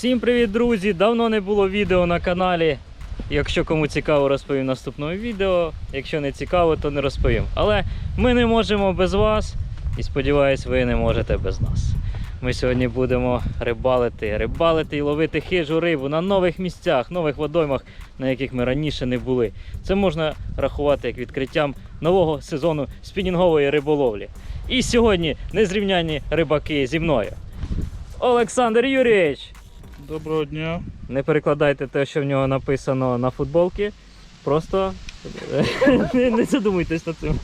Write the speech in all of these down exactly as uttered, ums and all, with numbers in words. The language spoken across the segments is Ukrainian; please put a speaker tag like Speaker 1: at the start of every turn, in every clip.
Speaker 1: Всім привіт, друзі! Давно не було відео на каналі. Якщо кому цікаво, розповім в наступному відео. Якщо не цікаво, то не розповім. Але ми не можемо без вас. І сподіваюсь, ви не можете без нас. Ми сьогодні будемо рибалити, рибалити і ловити хижу рибу на нових місцях, нових водоймах, на яких ми раніше не були. Це можна рахувати як відкриттям нового сезону спінінгової риболовлі. І сьогодні незрівнянні рибаки зі мною. Олександр Юрійович!
Speaker 2: Доброго дня.
Speaker 1: Не перекладайте те, що в нього написано на футболці. Просто не задумуйтесь над цим.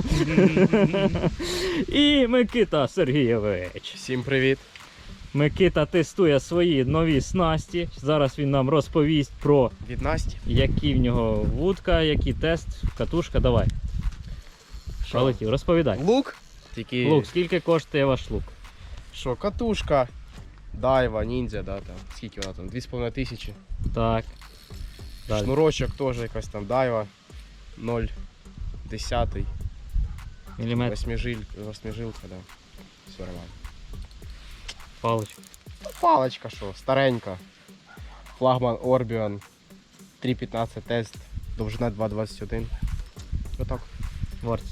Speaker 1: І Микита Сергійович.
Speaker 3: Всім привіт.
Speaker 1: Микита тестує свої нові снасті. Зараз він нам розповість про
Speaker 3: Від Насті.
Speaker 1: які в нього вудка, який тест, катушка. Давай. Полетів, розповідай.
Speaker 3: Лук. Тільки...
Speaker 1: Лук, скільки коштує ваш лук?
Speaker 3: Що, катушка, дайва, ніндзя, да, там. Скільки вона там? дві з половиною тисячі.
Speaker 1: Так. Далі.
Speaker 3: Шнурочок теж якась там дайва. ноль десятий.
Speaker 1: Міліметр.
Speaker 3: Восьмижиль... Восьмижилка, да. Все нормально.
Speaker 1: Паличка.
Speaker 3: Палочка що, старенька. Флагман Orbion. три п'ятнадцять тест. Довжина два двадцять один. Отак.
Speaker 1: Вартість.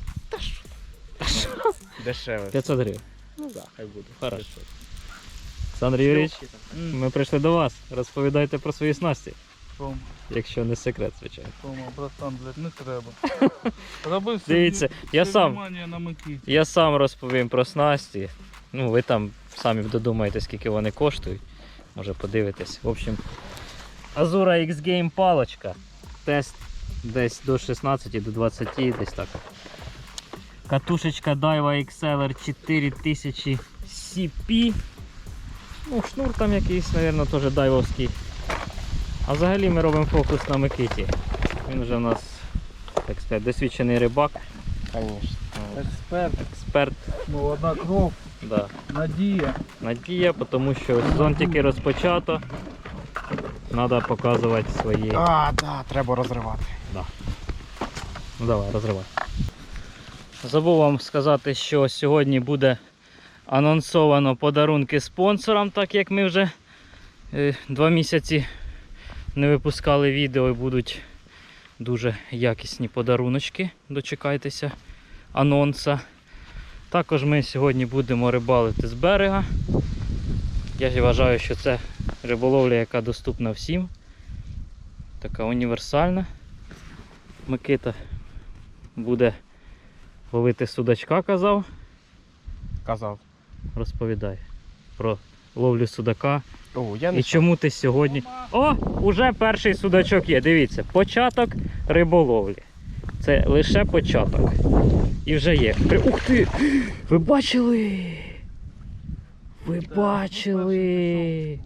Speaker 3: Дешеве.
Speaker 1: п'ятсот гривень.
Speaker 3: Ну да, хай буде.
Speaker 1: Хорошо. Олександр Юрійович, ми прийшли до вас. Розповідайте про свої снасті.
Speaker 2: Рома,
Speaker 1: Якщо не секрет, звичайно.
Speaker 2: Рома, братан, блядь, не треба. Роби все,
Speaker 1: Дивіться, я
Speaker 2: все
Speaker 1: сам,
Speaker 2: внимання на Микиті.
Speaker 1: я сам розповім про снасті. Ну, ви там самі додумаєте, скільки вони коштують. Може подивитесь. В общем, Azura X-Game палочка. Тест десь до шістнадцяти, до двадцяти, десь так. Катушечка Daiwa ікс ел ар чотири тисячі сі пі. Ну, шнур там якийсь, мабуть, теж дайвовський. А взагалі ми робимо фокус на Микиті. Він вже у нас, так сказати, досвідчений рибак.
Speaker 3: Конечно.
Speaker 2: Експерт,
Speaker 1: Експерт.
Speaker 2: молода кров,
Speaker 1: Да.
Speaker 2: надія.
Speaker 1: Надія, тому що сезон тільки розпочато. Треба показувати свої.
Speaker 3: А, да, треба розривати.
Speaker 1: Ну давай, розривай. Забув вам сказати, що сьогодні буде анонсовано подарунки спонсорам, так як ми вже е, два місяці не випускали відео і будуть дуже якісні подаруночки. Дочекайтеся анонса. Також ми сьогодні будемо рибалити з берега. Я вважаю, що це риболовля, яка доступна всім. Така універсальна. Микита буде ловити судачка, казав.
Speaker 3: Казав.
Speaker 1: Розповідай про ловлю судака.
Speaker 3: О, я не
Speaker 1: І чому ти сьогодні... О, уже перший судачок є, дивіться. Початок риболовлі. Це лише початок. І вже є. Ух ти! Ви бачили? Ви бачили?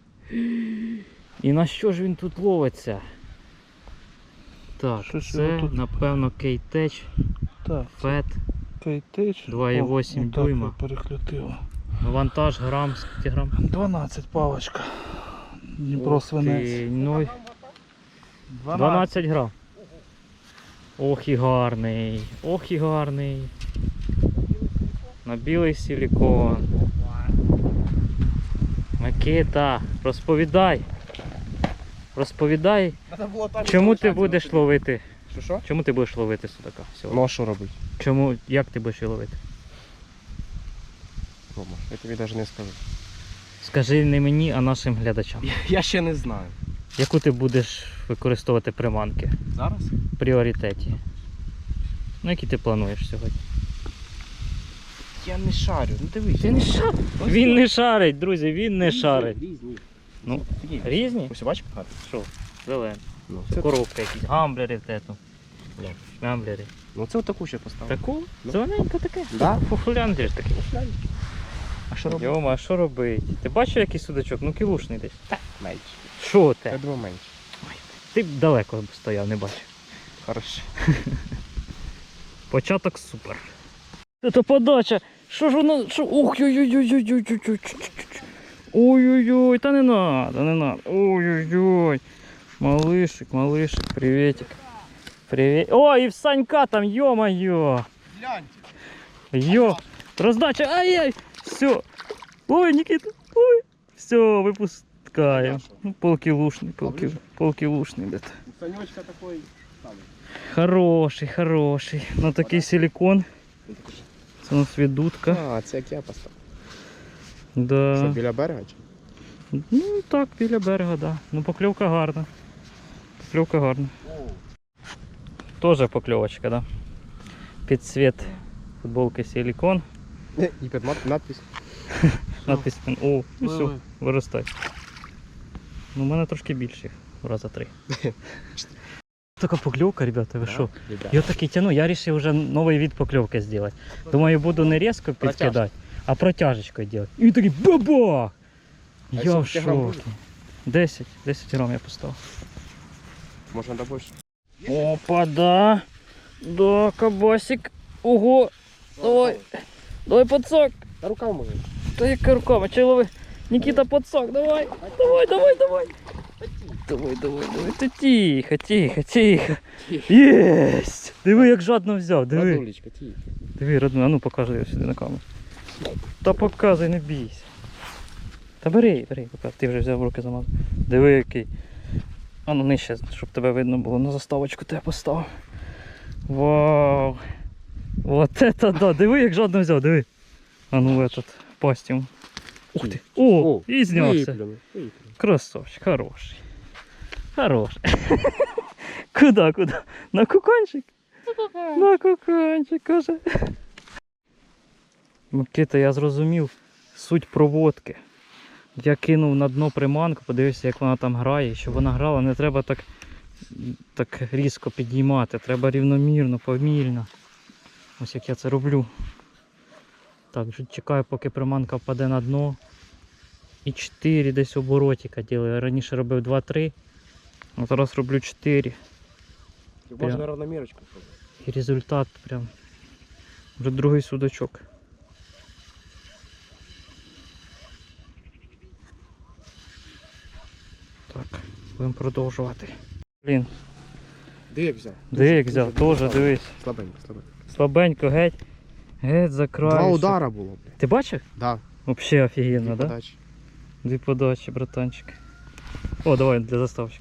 Speaker 1: І на що ж він тут ловиться? Так,
Speaker 2: Що ж
Speaker 1: це,
Speaker 2: його тут?
Speaker 1: напевно, кейтеч,
Speaker 2: Так,
Speaker 1: фет,
Speaker 2: кейтеч.
Speaker 1: два і вісім дюйма.
Speaker 2: Перехлютило.
Speaker 1: Вантаж грам, скільки грам?
Speaker 2: дванадцять палочка. Дніпро
Speaker 1: Ух
Speaker 2: свинець.
Speaker 1: ти, ну, дванадцять грам. Ох і гарний, ох і гарний. На білий силікон. Микита, розповідай. Розповідай, чому ти будеш ловити?
Speaker 3: Що, що?
Speaker 1: Чому ти будеш ловити судака сьогодні?
Speaker 3: Ну а що робити?
Speaker 1: Чому, як ти будеш його ловити?
Speaker 3: Рома, я тобі навіть не скажу.
Speaker 1: Скажи не мені, а нашим глядачам.
Speaker 3: Я, я ще не знаю.
Speaker 1: Яку ти будеш використовувати приманки
Speaker 3: Зараз?
Speaker 1: в пріоритеті? Ну, які ти плануєш сьогодні?
Speaker 3: Я не шарю. Ну дивись.
Speaker 1: Ти не шар... Він не шарить, друзі, він не шарить.
Speaker 3: Різні.
Speaker 1: Ну,
Speaker 3: Такі.
Speaker 1: різні?
Speaker 3: Ось бачиш, гарно?
Speaker 1: Що? Зелені.
Speaker 3: Ну,
Speaker 1: Це
Speaker 3: це,
Speaker 1: коробка якісь, гамблери в тету.
Speaker 3: Як?
Speaker 1: Гамблери.
Speaker 3: ну це отаку ще поставив.
Speaker 1: Таку?
Speaker 3: Ну.
Speaker 1: Зелененька таке?
Speaker 3: Да?
Speaker 1: Фуфуляндрі ж такий.
Speaker 3: А що робити?
Speaker 1: Йома, а що робить? Ти бачив який судачок? Ну кілушний десь.
Speaker 3: Менше.
Speaker 1: Що
Speaker 3: Я
Speaker 1: те?
Speaker 3: думаю менше.
Speaker 1: Ти б далеко стояв, не бачив.
Speaker 3: Хорошо.
Speaker 1: Початок супер. Це подача. Що ж воно? Що? Ух, ой-ой-ой-ой-ой-ой-ой. Ой-ой-ой, та не надо, не надо. Ой-ой-ой. Малышик, малышик, приветик. Привет. О, и в Санька там, ё-моё.
Speaker 3: Гляньте.
Speaker 1: Ё. Раздача, ай-яй. Все. Ой, Никита. Ой. Все, выпуск. Пускаємо. Ну, полкілушний, полки, полкілушний десь.
Speaker 3: У Санечка такой самый.
Speaker 1: Хороший, хороший. На такий силікон. Це у нас віддутка.
Speaker 3: А, це як я поставив.
Speaker 1: Да.
Speaker 3: Що, біля берега чи?
Speaker 1: Ну так, біля берега, да. Ну покльовка гарна. Покльовка гарна. Тоже покльовочка, да. Під цвіт футболки силікон.
Speaker 3: І під мат- надпись.
Speaker 1: Надпись. О, ну все,
Speaker 2: Пливи.
Speaker 1: виростай. Ну, у мене трошки більше, раза три. Така покльовка, ребята, ви що?
Speaker 3: Ребят.
Speaker 1: Я такий тяну, я вирішив вже новий від покльовки зробити. Думаю, буду не різко підкидати, а протяжечкою робити. І він такий бабах!
Speaker 3: А
Speaker 1: Я
Speaker 3: скільки
Speaker 1: в
Speaker 3: грам буде?
Speaker 1: шокі. десять, десять грам я поставив.
Speaker 3: Може надо більше?
Speaker 1: Опа, да. Да, кабасик. Ого. Давай. Давай подсак.
Speaker 3: Та рукав може.
Speaker 1: Та яка рукава, чай лови. Никита, подсак, давай. Давай, давай, давай. Давай, давай, давай. Та тихо, тихо, тихо. Єсть. Диви, як жадно взяв, диви.
Speaker 3: Радулечка, ті.
Speaker 1: Диви, родной, а ну покажи сюди на камеру. Та показуй, не бійся. Та бери, бери, покажи. Ти вже взяв в руки замазав. Диви який. А ну нижче, щоб тебе видно було. На заставочку тебе поставив. Вау. Вот это да. Диви, як жадно взяв, диви. А ну этот, пасть йому. Ух ти. О, і знявся.
Speaker 3: Виплюнув, виплюнув.
Speaker 1: Красавчик, хороший. Хороший. Куда, куда? На куканчик? На куканчик, каже. Микита, я зрозумів суть проводки. Я кинув на дно приманку, подивився, як вона там грає. Щоб вона грала, не треба так, так різко підіймати. Треба рівномірно, повільно. Ось як я це роблю. Так, вже чекаю, поки приманка впаде на дно. І чотири десь оборотика ділю. Я раніше робив два-три, а зараз роблю чотири.
Speaker 3: Можна равномірочку.
Speaker 1: І результат прям. Вже другий судачок. Так, будемо продовжувати. Блін,
Speaker 3: Де як взяв?
Speaker 1: де як взяв, теж дивись.
Speaker 3: Слабенько, слабенько.
Speaker 1: Слабенько, геть. Геть за край.
Speaker 3: Два
Speaker 1: все.
Speaker 3: удара було, бля.
Speaker 1: Ти бачив?
Speaker 3: Да.
Speaker 1: Вообще офігенно,
Speaker 3: Дві
Speaker 1: да?
Speaker 3: подачі.
Speaker 1: Дві подачі, братанчик. О, давай для заставочки.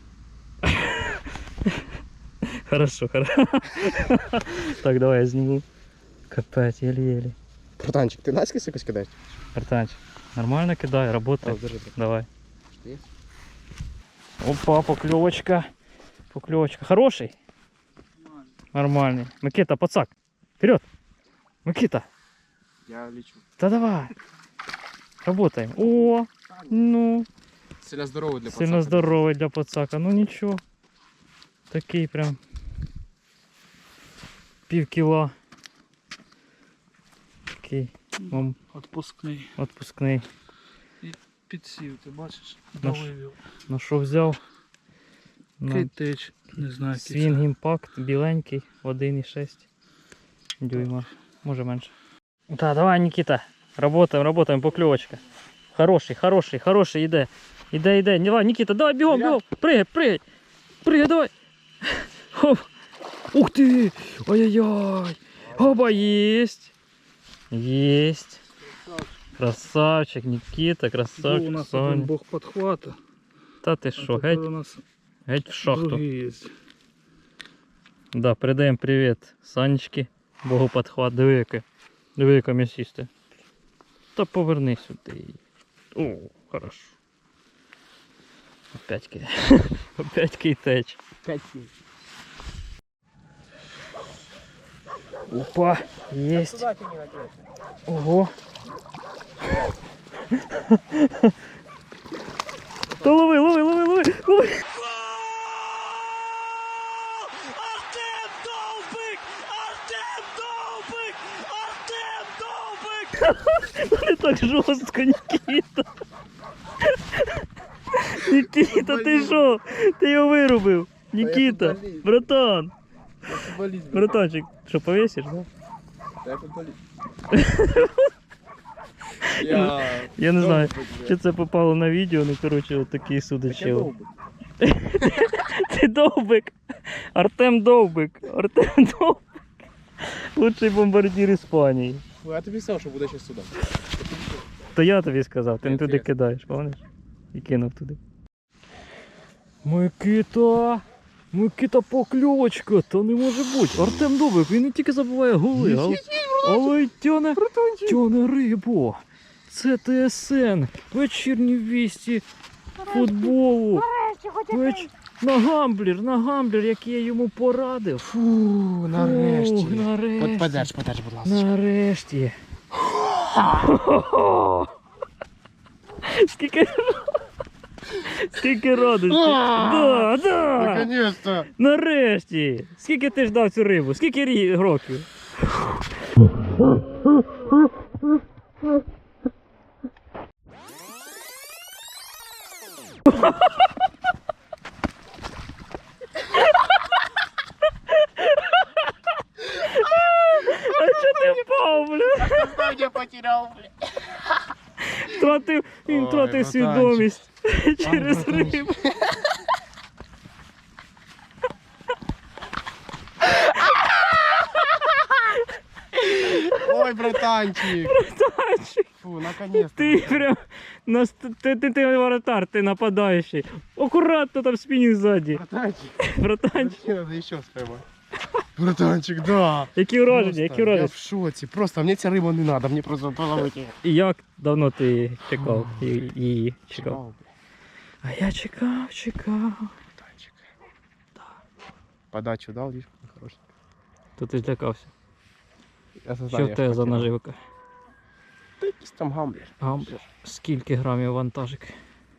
Speaker 1: Хорошо, хорошо. Так, давай я сниму. Капець, еле-еле.
Speaker 3: Братанчик, ти наскільки якось кидаєш?
Speaker 1: Братанчик, нормально кидай, работай.
Speaker 3: А, держи, держи.
Speaker 1: Давай.
Speaker 3: Що є?
Speaker 1: Опа, поклевочка. Поклевочка. Хороший? Нормальный. Микита, подсак. Вперед. Микита.
Speaker 3: Я лічу.
Speaker 1: Да давай. Работаем. О, ну.
Speaker 3: Сильно здоровий для
Speaker 1: Сильно
Speaker 3: пацана.
Speaker 1: здоровий для подсака. Ну нічого. Такий прям. Пів кіла. Такий. Вам
Speaker 2: Отпускний.
Speaker 1: відпускний.
Speaker 2: Підсів, ти бачиш?
Speaker 1: Ну ж.
Speaker 2: Довивів.
Speaker 1: На що взяв? На
Speaker 2: Кейтеч, не знаю, який
Speaker 1: Swing
Speaker 2: це.
Speaker 1: Impact біленький, один і шість дюйма, може менше. Так, давай, Никита, работаем, работаем, поклевочка. Хороший, хороший, хороший, іде. Іде, іде. Давай, Никита, давай, бігом, бігом. Пригай, пригай. Пригай, давай. Хоп. Ух ти. Ой-ой-ой. Оба, есть. Есть. Красавчик, Никита,
Speaker 2: Був у
Speaker 1: красавчик,
Speaker 2: нас один
Speaker 1: Соня.
Speaker 2: бог підхвата.
Speaker 1: Та ти
Speaker 2: а
Speaker 1: що,
Speaker 2: тепер
Speaker 1: геть,
Speaker 2: у нас
Speaker 1: геть в шахту.
Speaker 2: другий є.
Speaker 1: Да, передаємо привіт Санечки, Богу подхват, диви яке, диви яке м'ясисте. Та поверни сюди. О, хорошо. Опять кий. Опять кейтеч.
Speaker 3: П'ять сім.
Speaker 1: Опа, есть. Ого. Та лови, лови, лови, лови, лови.
Speaker 4: Артем Довбик! Артем Довбик! Артем Довбик!
Speaker 1: Не так жорстко, Нікіта. Нікіта, ти що? Ти його вирубив. Нікіта,
Speaker 3: футболіст.
Speaker 1: братан.
Speaker 3: Футболіст.
Speaker 1: Братанчик, що, повісиш, да?
Speaker 3: Я футболіст.
Speaker 1: Я не знаю, чи це попало на відео, ну коротше, от такий судачило. Ти Довбик. Артем Довбик. Артем Довбик. Лучший бомбардир Іспанії.
Speaker 3: Я тобі сказав, що буде ще сюди.
Speaker 1: То я тобі сказав, ти не
Speaker 3: Ні,
Speaker 1: туди
Speaker 3: це-
Speaker 1: кидаєш, пам'ятаєш? І кинув туди. Микита! Микита покльовочка! Та не може бути! Артем Довбик, він не тільки забуває голи, але, але й тяне, тяне рибу. Це ТСН. Вечірні вісті футболу. Веч... На гамблер, на гамблер, який я йому порадив.
Speaker 3: Фу, нарешті.
Speaker 1: Фух, нарешті.
Speaker 3: От подерж, подерж, будь ласка.
Speaker 1: Нарешті. Скільки Скільки радості. Да, да.
Speaker 3: Наконец-то.
Speaker 1: Нарешті. Скільки ти ждав цю рибу? Скільки рі- років? А чого ти впав, бля?
Speaker 3: Я потерял, блядь.
Speaker 1: Втратив, він
Speaker 3: Ой,
Speaker 1: втратив
Speaker 3: братанчик.
Speaker 1: свідомість через
Speaker 3: братанчик.
Speaker 1: рибу.
Speaker 3: Ой, братанчик.
Speaker 1: Братанчик,
Speaker 3: Фу, наконец-то.
Speaker 1: ти прям нас, ти, ти, ти воротар, ти нападаючий. Акуратно там спінінг ззаді.
Speaker 3: Братанчик.
Speaker 1: Братанчик,
Speaker 3: Мне надо еще споймать. Братанчик, да.
Speaker 1: які враження,
Speaker 3: Просто
Speaker 1: які
Speaker 3: Я
Speaker 1: враження.
Speaker 3: в шоці. Просто мне ця риба не надо, мне просто половить її.
Speaker 1: І як давно ти чекав ї- її? Чекав.
Speaker 3: Чекав, блядь.
Speaker 1: А я чекав, чекав.
Speaker 3: Братанчик. Подачу дал, видишь, хороший.
Speaker 1: То ти злякався.
Speaker 3: Я
Speaker 1: Що в тебе за наживка?
Speaker 3: Та якийсь там гамблер.
Speaker 1: Гамблер. Скільки грамів вантажик?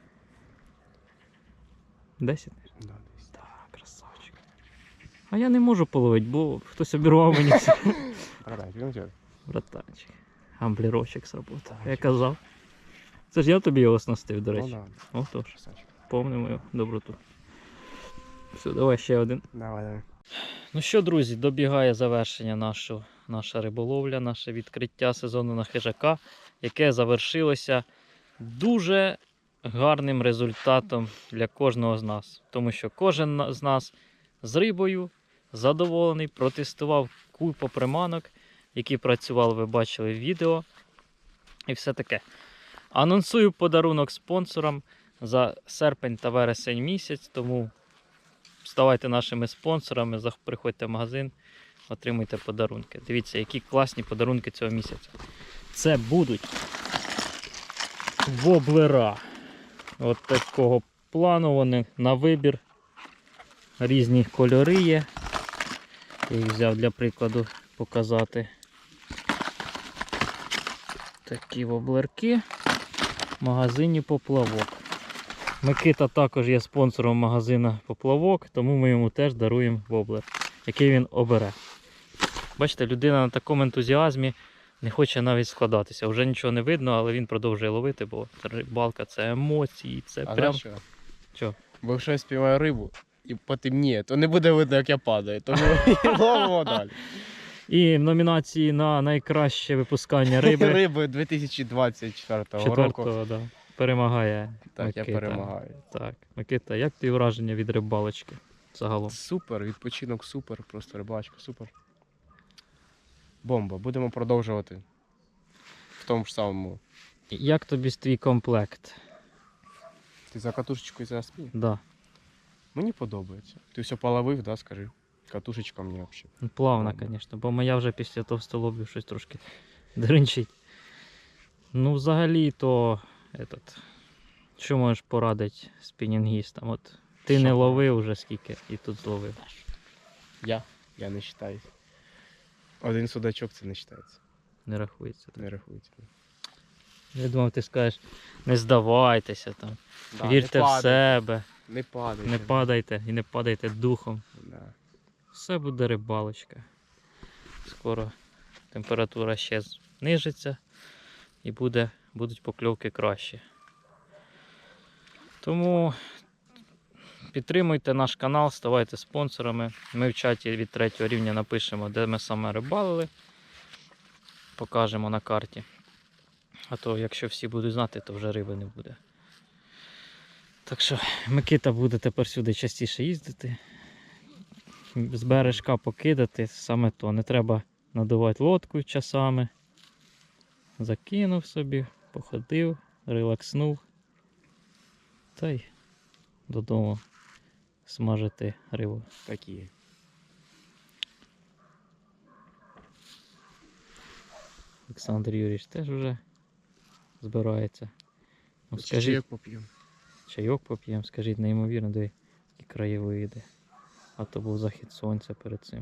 Speaker 1: Десять?
Speaker 3: Да, десь.
Speaker 1: Так, красавчик. А я не можу половити, бо хтось обірвав мені все.
Speaker 3: Братанчик, ну чого?
Speaker 1: Братанчик. Гамблерочок сработав. Я казав. Це ж я тобі його оснастив, до
Speaker 3: Ну
Speaker 1: речі.
Speaker 3: да,
Speaker 1: Отож,
Speaker 3: красавчик.
Speaker 1: помни мою доброту. Все, давай ще один.
Speaker 3: Давай, давай.
Speaker 1: Ну що, друзі, добігає завершення нашого, наша риболовля, наше відкриття сезону на хижака, яке завершилося дуже гарним результатом для кожного з нас. Тому що кожен на- з нас з рибою задоволений, протестував купу приманок, які працювали, ви бачили в відео. І все таке. Анонсую подарунок спонсорам за серпень та вересень місяць, тому ставайте нашими спонсорами, зах- приходьте в магазин, отримуйте подарунки. Дивіться, які класні подарунки цього місяця. Це будуть воблера. От такого плану вони на вибір. Різні кольори є. Я їх взяв для прикладу показати. Такі воблерки в магазині Поплавок. Микита також є спонсором магазину Поплавок, тому ми йому теж даруємо воблер, який він обере. Бачите, людина на такому ентузіазмі не хоче навіть складатися. Вже нічого не видно, але він продовжує ловити, бо рибалка це емоції, це
Speaker 3: А
Speaker 1: прям...
Speaker 3: знаєш що?
Speaker 1: Що?
Speaker 3: Бо якщо я спіймаю рибу і потемніє, то не буде видно, як я падаю. Тому ловимо далі.
Speaker 1: І в номінації на найкраще випускання риби
Speaker 3: Риби дві тисячі двадцять четвертого року.
Speaker 1: четвертого да, перемагає
Speaker 3: Так,
Speaker 1: Микита.
Speaker 3: я перемагаю.
Speaker 1: Так, Микита, як тобі враження від рибалочки загалом?
Speaker 3: Супер, відпочинок супер, просто рибачка супер. Бомба, будемо продовжувати в тому ж самому.
Speaker 1: Як тобі твій комплект?
Speaker 3: Ти за катушечкою за спів?
Speaker 1: Да.
Speaker 3: Мені подобається. Ти все половив, да, скажи? Катушечка мені взагалі.
Speaker 1: Ну, плавно,
Speaker 3: Плавно.
Speaker 1: звісно, бо моя вже після товстолобів щось трошки дринчить. Ну, взагалі, то этот, що можеш порадити спінінгістам? От ти
Speaker 3: Що
Speaker 1: не
Speaker 3: порадити?
Speaker 1: ловив вже скільки і тут зловив.
Speaker 3: Я? Я не вважаю. Один судачок це не вважається.
Speaker 1: Не рахується. Так.
Speaker 3: Не рахується.
Speaker 1: Я думав, ти скажеш, не здавайтеся там,
Speaker 3: Да,
Speaker 1: вірте
Speaker 3: не
Speaker 1: в
Speaker 3: падай,
Speaker 1: себе,
Speaker 3: Не падайте.
Speaker 1: не падайте і не падайте духом.
Speaker 3: Да.
Speaker 1: Все буде рибалочка. Скоро температура ще знижиться і буде, будуть покльовки кращі. Тому підтримуйте наш канал, ставайте спонсорами. Ми в чаті від третього рівня напишемо, де ми саме рибалили. Покажемо на карті. А то якщо всі будуть знати, то вже риби не буде. Так що Микита буде тепер сюди частіше їздити. З бережка покидати, саме то. Не треба надувати лодку часами. Закинув собі, походив, релакснув. Та й додому смажити рибу.
Speaker 3: Такі.
Speaker 1: Олександр Юрійович теж вже збирається. Ну,
Speaker 3: Скажи,
Speaker 1: скажіть,
Speaker 3: як поп'ємо.
Speaker 1: чайок поп'ємо, скажіть, неймовірно, де які краєвиди. А то був захід сонця перед цим.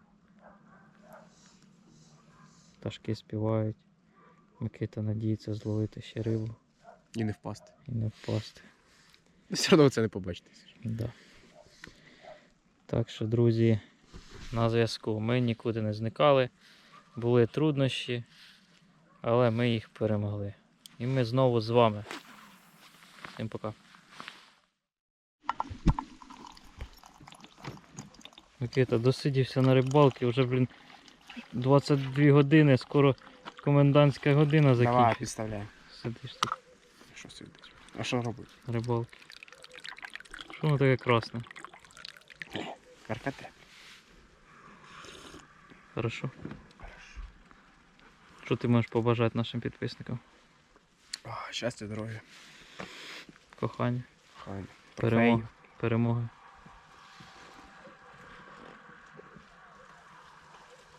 Speaker 1: Пташки співають. Микита надіється зловити ще рибу
Speaker 3: І не впасти.
Speaker 1: і не впасти.
Speaker 3: Ну, все одно ви це не побачите.
Speaker 1: Да. Так що, друзі, на зв'язку. Ми нікуди не зникали. Були труднощі, але ми їх перемогли. І ми знову з вами. Всім пока. Микита досидівся на рибалці, вже, блін, двадцять дві години, скоро комендантська година
Speaker 3: Давай,
Speaker 1: закінчиться.
Speaker 3: підставляй.
Speaker 1: Сидиш тут
Speaker 3: Що сидить? А що робити?
Speaker 1: на рибалці. Що воно таке красне?
Speaker 3: Каркате.
Speaker 1: Хорошо. Що ти можеш побажати нашим підписникам?
Speaker 3: О, щастя, здоров'я.
Speaker 1: Кохання,
Speaker 3: Хай.
Speaker 1: перемоги, перемоги.